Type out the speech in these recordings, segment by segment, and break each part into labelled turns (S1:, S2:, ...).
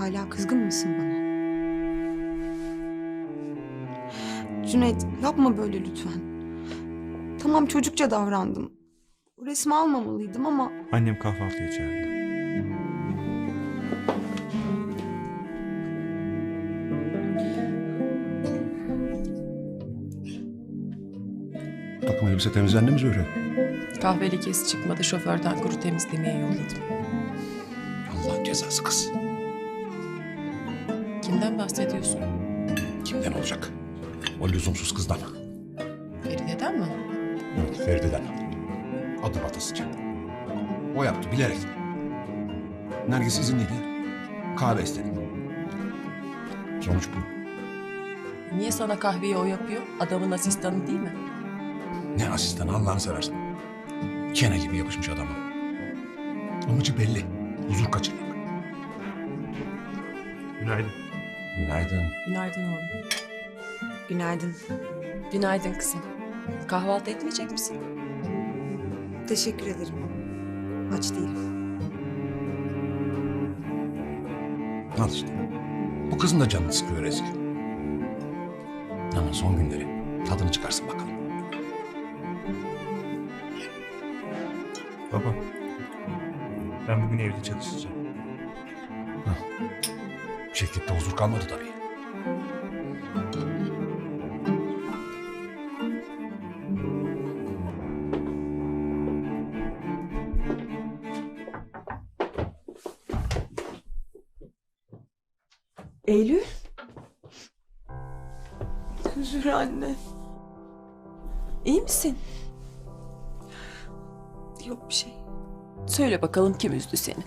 S1: Hala kızgın mısın bana? Cüneyt, yapma böyle lütfen. Tamam, çocukça davrandım. O resmi almamalıydım ama...
S2: Annem kahvaltıya çağırdı.
S3: Takım elbise temizlendi mi Zühre?
S4: Kahve lekesi çıkmadı, şoförden kuru temizlemeye yolladım.
S3: Allah'ın cezası kız.
S4: Kimden bahsediyorsun?
S3: Kimden olacak? O lüzumsuz kızdan.
S4: Feride'den mi?
S3: Evet, Feride'den. Adım atasıca. O yaptı bilerek. Nergis izinliydi. Kahve istedi. Sonuç bu.
S4: Niye sana kahveyi o yapıyor? Adamın asistanı değil mi?
S3: Ne asistanı Allah'ını seversen. Kene gibi yapışmış adama. Amacı belli. Huzur kaçırmak.
S2: Günaydın.
S3: Günaydın.
S4: Günaydın oğlum.
S1: Günaydın.
S4: Günaydın kızım. Kahvaltı etmeyecek misin?
S1: Teşekkür ederim. Aç değilim.
S3: Al işte. Bu kızın da canını sıkıyor Ezgi. Ama son günleri tadını çıkarsın bakalım.
S2: Baba, ben bugün evde çalışacağım.
S3: Şirkette huzur kalmadı tabii.
S1: Eylül? Zühre anne.
S4: İyi misin?
S1: Yok bir şey.
S4: Söyle bakalım kim üzdü seni?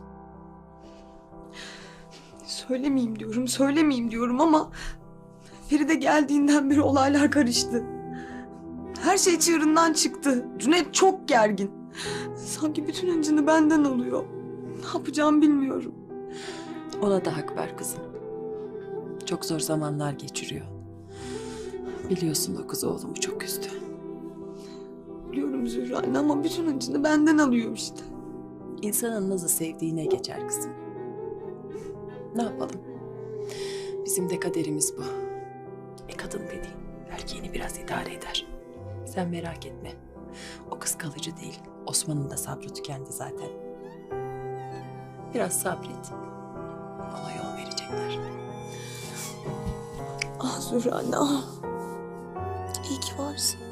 S1: Söylemeyeyim diyorum ama... Feride geldiğinden beri olaylar karıştı. Her şey çığırından çıktı. Cüneyt çok gergin. Sanki bütün hıncını benden alıyor. Ne yapacağımı bilmiyorum.
S4: Ona da hak ver kızım. Çok zor zamanlar geçiriyor. Biliyorsun o kız oğlumu çok üzdü.
S1: Biliyorum Zühre anne ama bütün hıncını benden alıyor işte.
S4: İnsanın nasıl sevdiğine geçer kızım. Ne yapalım? Bizim de kaderimiz bu. Kadın dediğin erkeğini biraz idare eder. Sen merak etme. O kız kalıcı değil. Osman'ın da sabrı tükendi zaten. Biraz sabret. Ona yol verecekler.
S1: Ah Zühre anne ah. İyi ki varsın.